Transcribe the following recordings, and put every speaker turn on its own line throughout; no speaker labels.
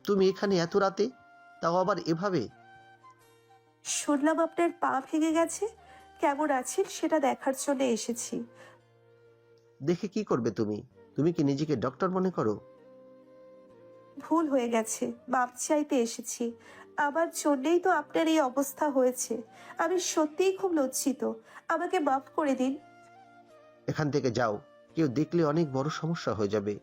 তুমি এখানে এত রাতে, তাও আবার এভাবে?
শুনলাম আপনার পা ভেঙে গেছে, কেমন আছেন সেটা দেখার জন্য এসেছি।
দেখে কি করবে তুমি? তুমি কি নিজেকে ডক্টর মনে করো?
ভুল হয়ে গেছে, মাপ চাইতে এসেছি। আমার জন্যেই তো আপনার এই অবস্থা হয়েছে। আমি সত্যিই খুব লজ্জিত, আমাকে মাফ করে দিন।
এখান থেকে যাও, কেউ দেখলে অনেক বড় সমস্যা হয়ে যাবে।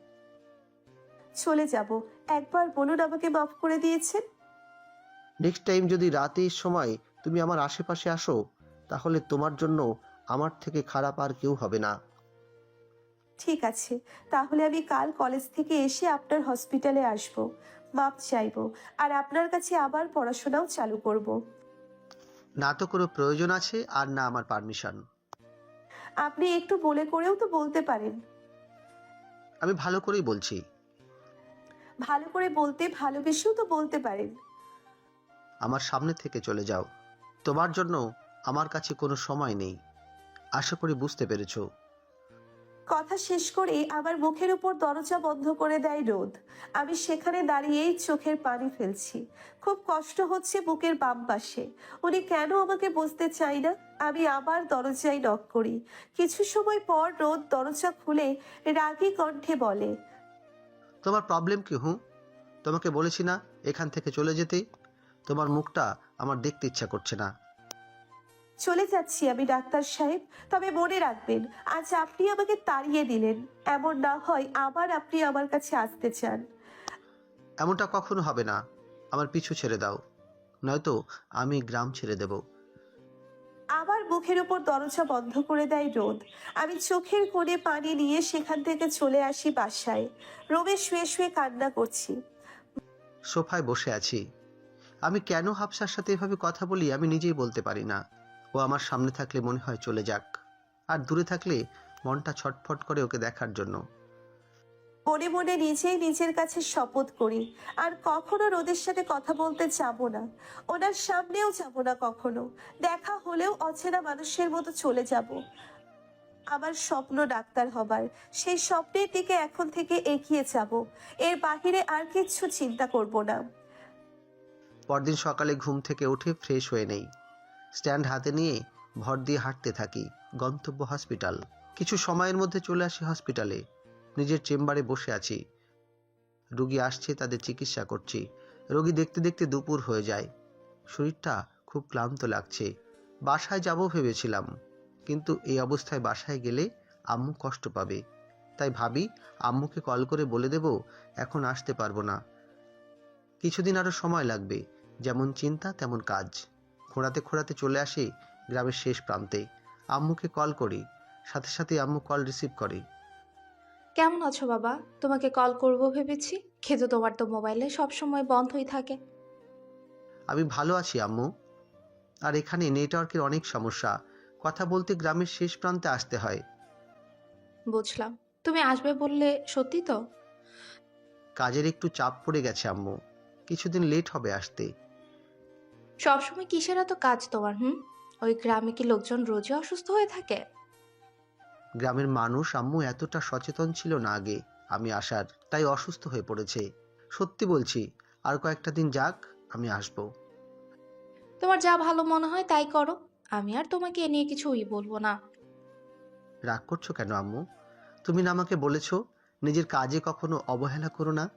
চলে যাব, একবার বলুন আমাকে মাফ করে দিয়েছেন।
নেক্সট টাইম যদি রাতের সময় তুমি আমার আশেপাশে আসো, তাহলে তোমার জন্য আমার থেকে খারাপ আর কেউ হবে না।
ঠিক আছে, তাহলে আমি কাল কলেজ থেকে এসে আপনার হসপিটালে আসব, মাপ চাইবো, আর আপনার কাছে আবার পড়াশোনাও চালু করব।
না তো কোনো প্রয়োজন আছে, আর না আমার পারমিশন।
আপনি একটু বলে করেও তো বলতে পারেন।
আমি ভালো করেই বলছি।
ভালো করে বলতে ভালোবেসেও তো বলতে পারেন।
আমার সামনে থেকে চলে যাও। তোমার জন্য আমার কাছে কোনো সময় নেই। আশা করি বুঝতে পেরেছো।
কথা শেষ করে আমার মুখের উপর দরজা বন্ধ করে দেয় রোদ। আমি সেখানে দাঁড়িয়েই চোখের পানি ফেলছি। খুব কষ্ট হচ্ছে বুকের বাম পাশে। উনি কেন আমাকে বুঝতে চাই না। আমি আবার দরজায় নক করি। কিছু সময় পর রোদ দরজা খুলে রাগী কণ্ঠে বলে,
তোমার প্রবলেম কি? তোমাকে বলেছি না এখান থেকে চলে যেতে? তোমার মুখটা আমার দেখতে ইচ্ছা করছে না।
চলে যাচ্ছি আমি ডাক্তার সাহেব, তবে মনে রাখবেন আজ আপনি আমাকে তাড়িয়ে দিলেন, এমন না হয় আবার আপনি আমার কাছে আসতে চান।
এমনটা কখনো হবে না। আমার পিছু ছেড়ে দাও, নয়তো আমি গ্রাম ছেড়ে দেব।
আবার মুখের উপর দরজা বন্ধ করে দেয় রোদ। আমি চোখের কোণে পানি নিয়ে সেখান থেকে চলে আসি বাসায়। রোমে শুয়ে শুয়ে কান্না করছি।
সোফায় বসে আছি। আমি কেন হাফসার সাথে এভাবে কথা বলি আমি নিজেই বলতে পারি না। ও আমার সামনে থাকলে মনে হয় চলে যাক, আর দূরে থাকলে মনটা ছটফট করে ওকে দেখার জন্য।
মনে মনে নিজেই নিজের কাছে শপথ করি, আর কখনো রোদের সাথে কথা বলতে যাব না। ওনার সামনেও যাব না কখনো। দেখা হলেও অচেনা মানুষের মতো চলে যাব। আমার স্বপ্ন ডাক্তার হবার, সেই স্বপ্নের দিকে এখন থেকে এগিয়ে যাব। এর বাহিরে আর কিচ্ছু চিন্তা করব না।
পরদিন সকালে ঘুম থেকে উঠে ফ্রেশ হয়ে নেই, স্ট্যান্ড হাতে নিয়ে ভর দিয়ে হাঁটতে থাকি। গন্তব্য হসপিটাল। কিছু সময়ের মধ্যে চলে আসি হসপিটালে। নিজের চেম্বারে বসে আছি। রোগী আসছে, তাদের চিকিৎসা করছি। রোগী দেখতে দেখতে দুপুর হয়ে যায়। শরীরটা খুব ক্লান্ত লাগছে। বাসায় যাব ভেবেছিলাম, কিন্তু এই অবস্থায় বাসায় গেলে আম্মু কষ্ট পাবে। তাই ভাবি আম্মুকে কল করে বলে দেব এখন আসতে পারবো না, কিছুদিন আরও সময় লাগবে। যেমন চিন্তা তেমন কাজ। খোঁড়াতে খোঁড়াতে চলে আসি গ্রামের শেষ প্রান্তে। আম্মুকে কল করি, সাথে সাথে আম্মু কল রিসিভ করে।
কেমন আছো বাবা? তোমাকে কল করব ভেবেছি, কিন্তু তোমার তো মোবাইলে সব সময় বন্ধই থাকে।
আমি ভালো আছি আম্মু, আর এখানে নেটওয়ার্কের অনেক সমস্যা। কথা বলতে গ্রামের শেষ প্রান্তে আসতে হয়।
বুঝলাম। তুমি আসবে বললে সত্যি তো?
কাজের একটু চাপ পড়ে গেছে আম্মু, কিছুদিন লেট হবে আসতে।
সবসময় কিসের এত কাজ তোমার? ওই গ্রামে কি লোকজন রোজই অসুস্থ হয়ে থাকে?
গ্রামের মানুষ আম্মু এতটা সচেতন ছিল না আগে আমি আসার, তাই অসুস্থ হয়ে পড়েছে। সত্যি বলছি, আর কয়েকটা দিন যাক, আমি আসবো।
তোমার যা ভালো মনে হয় তাই করো। আমি আর তোমাকে এ নিয়ে কিছুই বলবো না।
রাগ করছো কেন আম্মু? তুমি না আমাকে বলেছো নিজের কাজে কখনো অবহেলা করো না?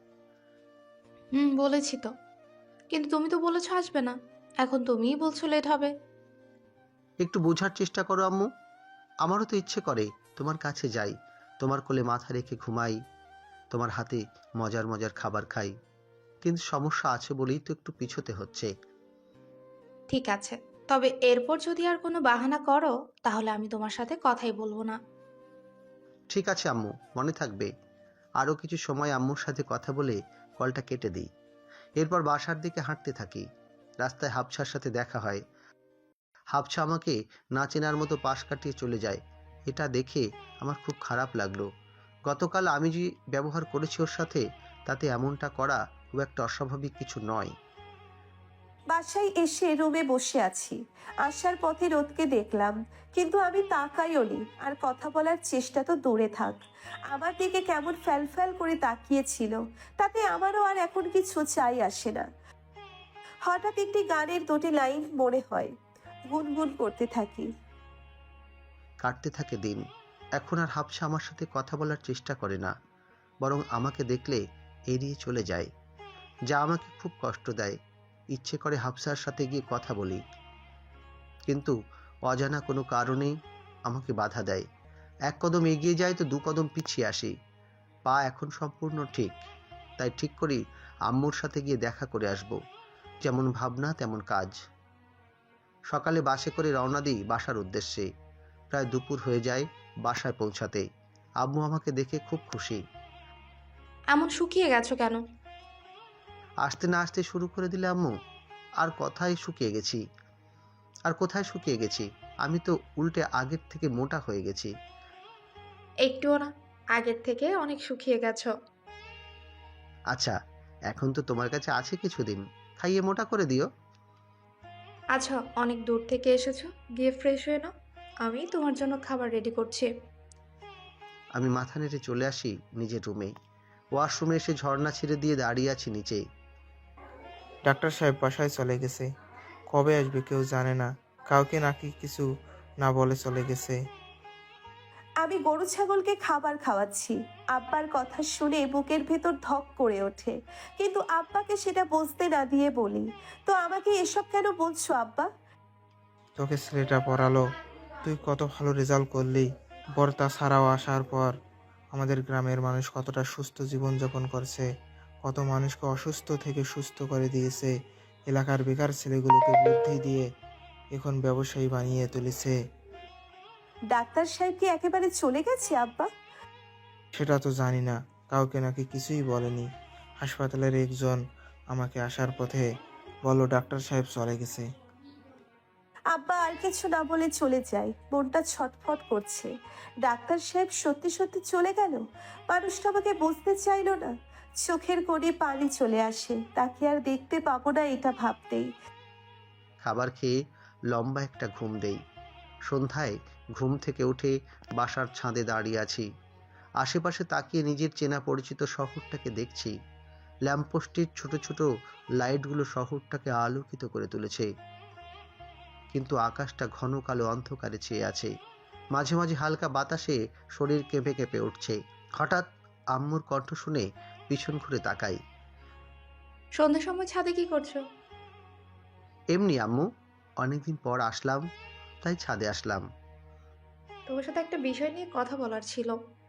বলেছি তো, কিন্তু তুমি তো বলেছো আসবে না। এখন তুমিই বলছো লেট হবে।
একটু বোঝার চেষ্টা করো আম্মু। আমারও তো ইচ্ছে করে তোমার কাছে যাই, তোমার কোলে মাথা রেখে ঘুমাই, তোমার হাতে মজার মজার খাবার খাই। কিন্তু সমস্যা আছে বলেই তো একটু পিছোতে হচ্ছে।
ঠিক আছে, তবে এরপর যদি আর কোনো বাহানা করো তাহলে আমি তোমার সাথে কথাই বলবো না।
ঠিক আছে আম্মু, মনে থাকবে। আরও কিছু সময় আম্মুর সাথে কথা বলে কলটা কেটে দিই। এরপর বাসার দিকে হাঁটতে থাকি। রাস্তায় হাফসার সাথে দেখা হয়। হাফসা আমাকে না চেনার মতো পাশ কাটিয়ে চলে যায়। এটা দেখে আমার খুব খারাপ লাগলো। গতকাল আমি যে ব্যবহার করেছি ওর সাথে, তাতে এমনটা করা খুব একটা অস্বাভাবিক কিছু নয়।
বাসায় এসে রুমে বসে আছি। আসার পথে রোদকে দেখলাম, কিন্তু আমি তাকাইওনি, আর কথা বলার চেষ্টা তো দূরে থাক। আমার দিকে কেমন ফ্যাল করে তাকিয়েছিল, তাতে আমারও আর এখন কিছু চাই আসে না। হঠাৎ একটি গানের দুটি লাইন মনে হয়, গুনগুন করতে থাকি।
কাটতে থাকে দিন। এখন আর হাফসা আমার সাথে কথা বলার চেষ্টা করে না, বরং আমাকে দেখলে এড়িয়ে চলে যায়, যা আমাকে খুব কষ্ট দেয়। ইচ্ছে করে হাফসার সাথে গিয়ে কথা বলি, কিন্তু অজানা কোনো কারণেই আমাকে বাধা দেয়। এক কদম এগিয়ে যায় তো দু কদম পিছিয়ে আসি। পা এখন সম্পূর্ণ ঠিক, তাই ঠিক করি আম্মুর সাথে গিয়ে দেখা করে আসব। যেমন ভাবনা তেমন কাজ। সকালে বাসে করে রওনা দিই বাসার উদ্দেশ্যে। প্রায় দুপুর হয়ে যায় বাসায় পৌঁছাতে। আম্মু আমাকে দেখে খুব খুশি।
এমন শুকিয়ে গেছো কেন?
আসতে না আসতে শুরু করে দিলে আম্মু। আর কোথায় শুকিয়ে গেছি, আর কোথায় শুকিয়ে গেছি? আমি তো উল্টে আগের থেকে মোটা হয়ে গেছি।
একটুও না, আগের থেকে অনেক শুকিয়ে গেছো।
আচ্ছা, এখন তো তোমার কাছে আছে কিছুদিন, খাইয়ে মোটা করে দিও।
আচ্ছা, অনেক দূর থেকে এসেছো, গিয়ে ফ্রেশ হয়ে নাও, আমি তোমার জন্য খাবার রেডি করছি।
আমি মাথা নেড়ে চলে আসি নিজের রুমে। ওয়াশরুমে এসে ঝর্ণা ছেড়ে দিয়ে দাঁড়িয়ে আছি নিচে।
ডাক্তার সাহেব বাসায় চলে গেছে। কবে আসবে কেউ জানে না। কাউকে নাকি কিছু না বলে চলে গেছে।
আমি গরু ছাগলকে খাবার খাওয়াচ্ছি। আব্বার কথা শুনে বুকের ভেতর ধক করে ওঠে, কিন্তু আব্বাকে সেটা বুঝতে না দিয়ে বলি, তো আমাকে এসব কেন বলছো আব্বা?
তোকে ছেলেটা পড়ালো, তুই কত ভালো রেজাল্ট করলি। বর্তা ছাড়াও আসার পর আমাদের গ্রামের মানুষ কতটা সুস্থ জীবনযাপন করছে, কত মানুষকে অসুস্থ থেকে সুস্থ করে দিয়েছে। এলাকার বেকার ছেলেগুলোকে বুদ্ধি দিয়ে এখন ব্যবসায়ী বানিয়ে তুলেছে।
ডাক্তার সাহেব কি একেবারে চলে গেছে আব্বা?
সেটা তো জানি না, কাউকে নাকি কিছুই বলেনি। হাসপাতালের একজন আমাকে আসার পথে বলল ডাক্তার সাহেব চলে গেছে।
আব্বা আর কিছু না বলে চলে যায়। মনটা ছটফট করছে। ডাক্তার সাহেব সত্যি সত্যি চলে গেল? মানুষটা আমাকে বুঝতে চাইলো না। চোখের কোণে পানি চলে আসে, তাকে আর দেখতে পাবো না এটা ভাবতেই।
খাবার খেয়ে লম্বা একটা ঘুম দেই। সন্ধ্যায় ঘুম থেকে উঠে বাসার ছাদে দাঁড়িয়ে আছি। আশেপাশে তাকিয়ে নিজের চেনা পরিচিত শহরটাকে দেখছি। ল্যাম্পপোস্টের ছোট ছোট লাইটগুলো শহরটাকে আলোকিত করে তুলেছে, কিন্তু আকাশটা ঘন কালো অন্ধকারে ছেয়ে আছে। মাঝে মাঝে হালকা বাতাসে শরীর কেঁপে কেঁপে উঠছে। হঠাৎ আম্মুর কণ্ঠ শুনে পিছন ঘুরে তাকাই।
সন্ধ্যার সময় ছাদে কি করছো?
এমনি আম্মু, অনেকদিন পর আসলাম, তাই ছাদে আসলাম।
তোমার সাথে একটা বিষয় নিয়ে কথা বলার ছিল।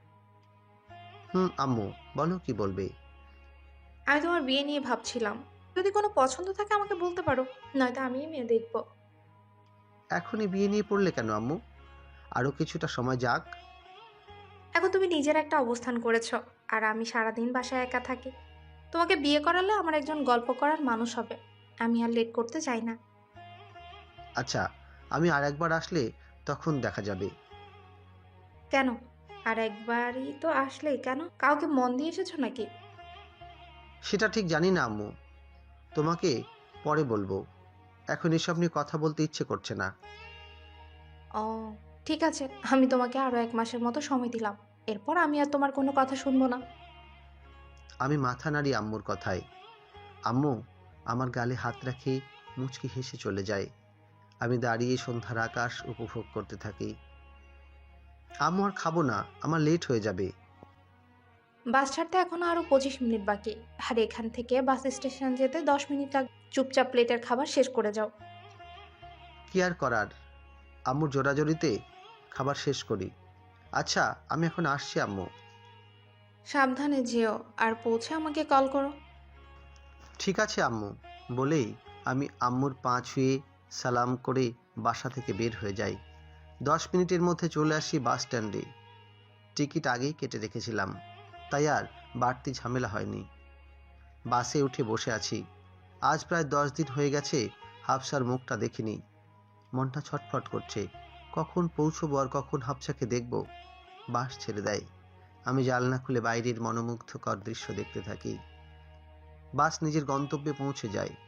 আম্মু, বলো কি বলবে।
আমি তোমার বিয়ে নিয়ে ভাবছিলাম, যদি কোনো পছন্দ থাকে আমাকে বলতে পারো, নয়তো আমিই মেয়ে দেখবো।
এখনই বিয়ে নিয়ে পড়লে কেন আম্মু? আরো কিছুটা সময় যাক।
এখন তুমি নিজের একটা অবস্থান করেছো, আর আমি সারাদিন বাসায় একা থাকি। তোমাকে বিয়ে করালে আমার একজন গল্প করার মানুষ হবে। আমি আর লেট করতে চাই না।
আচ্ছা, আমি আর একবার আসলে তখন দেখা যাবে।
কেন? আর একবারই তো আসলে, কেন কাউকে মন দিয়ে এসেছো নাকি?
সেটা ঠিক জানি না আম্মু, তোমাকে পরে বলবো। এখন এসব নিয়ে কথা বলতে ইচ্ছে করছে না।
ও, ঠিক আছে, আমি তোমাকে আরো 1 মাসের মতো সময় দিলাম। এরপর আমি আর তোমার কোনো কথা শুনবো না।
আমি মাথা নাড়ি আম্মুর কথায়। আম্মু আমার গালে হাত রাখে মুচকি হেসে চলে যায়। আমি দাঁড়িয়ে সন্ধ্যার আকাশ উপভোগ করতে থাকি। আম্মু আর খাবো না, আমার লেট হয়ে যাবে।
বাস ছাড়তে এখনো আরো 25 মিনিট বাকি। আর এখান থেকে বাস স্টেশন যেতে 10 মিনিট লাগবে। চুপচাপ প্লেটের খাবার শেষ করে যাও।
কি আর করার, আম্মুর জোরাজোরিতে খাবার শেষ করি। আচ্ছা, আমি এখন আসছি আম্মু।
সাবধানে যেও, আর পৌঁছে আমাকে কল করো।
ঠিক আছে আম্মু, বলেই আমি আম্মুর পা ছুঁয়ে সালাম করে বাসা থেকে বের হয়ে যাই। 10 মিনিটের মধ্যে চলে আসি বাস স্ট্যান্ডে। টিকিট আগেই কেটে রেখেছিলাম, তাই আর বাড়তি ঝামেলা হয়নি। বাসে উঠে বসে আছি। আজ প্রায় 10 দিন হয়ে গেছে হাফসার মুখটা দেখিনি। মনটা ছটফট করছে, কখন পৌঁছবো আর কখন হাফসাকে দেখব। বাস ছেড়ে দেয়। আমি জানলা খুলে বাইরের মনোমুগ্ধকর দৃশ্য দেখতে থাকি। বাস নিজের গন্তব্যে পৌঁছে যায়।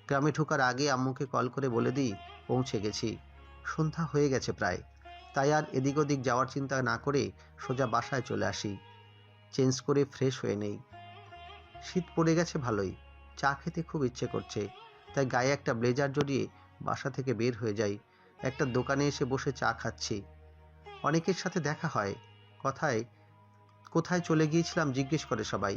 গ্রামে ঢোকার আগে আম্মুকে কল করে বলে দিই পৌঁছে গেছি। সন্ধ্যা হয়ে গেছে প্রায়, তাই আর এদিক ওদিক যাওয়ার চিন্তা না করে সোজা বাসায় চলে আসি। চেঞ্জ করে ফ্রেশ হয়ে নেই। শীত পড়ে গেছে ভালোই, চা খেতে খুব ইচ্ছে করছে, তাই গায়ে একটা ব্লেজার জড়িয়ে বাসা থেকে বের হয়ে যাই। একটা দোকানে এসে বসে চা খাচ্ছি। অনেকের সাথে দেখা হয়, কথায় কোথায় চলে গিয়েছিলাম জিজ্ঞেস করে সবাই।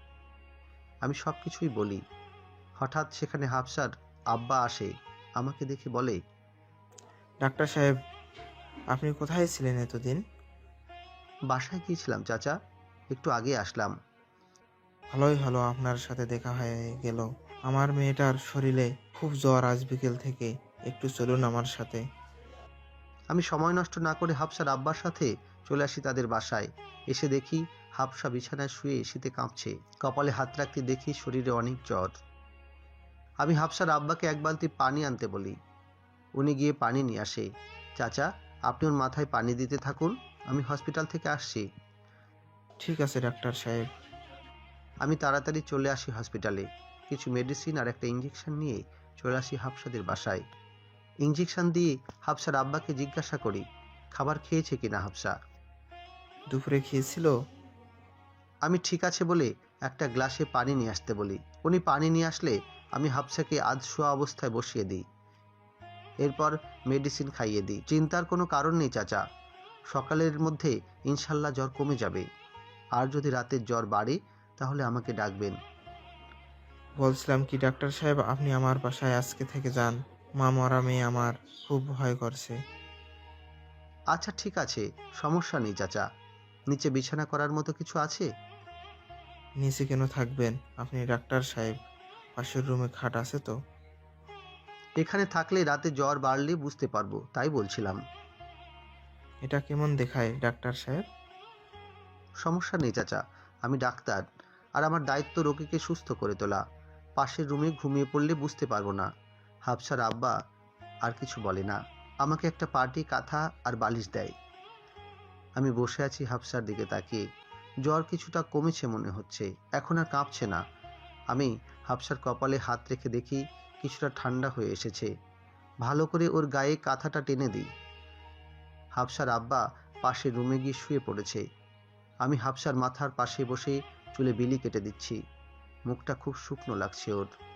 আমি সব কিছুই বলি। হঠাৎ সেখানে হাফসার আব্বা আসে, আমাকে দেখে বলে,
ডাক্তার সাহেব, আপনি কোথায় ছিলেন এতদিন?
বাসায় গিয়েছিলাম চাচা, একটু আগে আসলাম।
ভালোই হলো আপনার সাথে দেখা হয়ে গেল। আমার মেয়েটার শরীরে খুব জ্বর আজ বিকেল থেকে, একটু চলুন আমার সাথে।
আমি সময় নষ্ট না করে হাফসার আব্বার সাথে চলে আসি তাদের বাসায়। এসে দেখি হাফসা বিছানায় শুয়ে শীতে কাঁপছে, কপালে হাত রাখতে দেখি শরীরে অনেক জ্বর। আমি হাফসার আব্বাকে এক বালতি পানি আনতে বলি। উনি গিয়ে পানি নিয়ে আসে। চাচা, আপনি ওর মাথায় পানি দিতে থাকুন, আমি হসপিটাল থেকে আসছি।
ঠিক আছে ডাক্তার সাহেব।
আমি তাড়াতাড়ি চলে আসি হসপিটালে। কিছু মেডিসিন আর একটা ইঞ্জেকশন নিয়ে চলে আসি হাফসাদের বাসায়। ইঞ্জেকশন দিয়ে হাফসার আব্বাকে জিজ্ঞাসা করি খাবার খেয়েছে কিনা হাফসা।
দুপুরে খেয়েছিল?
আমি ঠিক আছে বলে একটা গ্লাসে পানি নিয়ে আসতে বলি। উনি পানি নিয়ে আসলে আমি হাফসাকে আধ শোয়া অবস্থায় বসিয়ে দিই। এরপর মেডিসিন খাইয়ে দিই। চিন্তার কোনো কারণ নেই চাচা, সকালের মধ্যে ইনশাল্লাহ জ্বর কমে যাবে। আর যদি রাতের জ্বর বাড়ে তাহলে আমাকে ডাকবেন।
বলছিলাম কি ডাক্তার সাহেব, আপনি আমার বাসায় আজকে থেকে যান। মা মরা মেয়ে আমার খুব ভয় করছে।
আচ্ছা ঠিক আছে, সমস্যা নেই চাচা। নিচে বিছানা করার মতো কিছু আছে?
নিচে কেন থাকবেন আপনি ডাক্তার সাহেব? পাশের রুমে খাট আছে তো?
এখানে থাকলে রাতে জ্বর বাড়লে বুঝতে পারবো, তাই বলছিলাম।
এটা কেমন দেখায় ডাক্তার সাহেব?
সমস্যা নেই চাচা, আমি ডাক্তার, আর আমার দায়িত্ব রোগীকে সুস্থ করে তোলা। পাশের রুমে ঘুমিয়ে পড়লে বুঝতে পারবো না। হাফসার আব্বা আর কিছু বলে না, আমাকে একটা পার্টি কাঁথা আর বালিশ দেয়। আমি বসে আছি হাফসার দিকে তাকিয়ে। জ্বর কিছুটা কমেছে মনে হচ্ছে, এখন আর কাঁপছে না। আমি হাফসার কপালে হাত রেখে দেখি কিছুটা ঠান্ডা হয়ে এসেছে। ভালো করে ওর গায়ে কাঁথাটা টেনে দিই। হাফসার আব্বা পাশের রুমে গিয়ে শুয়ে পড়েছে। আমি হাফসার মাথার পাশে বসে চুলে বিলি কেটে দিচ্ছি। মুখটা খুব শুকনো লাগছে ওর।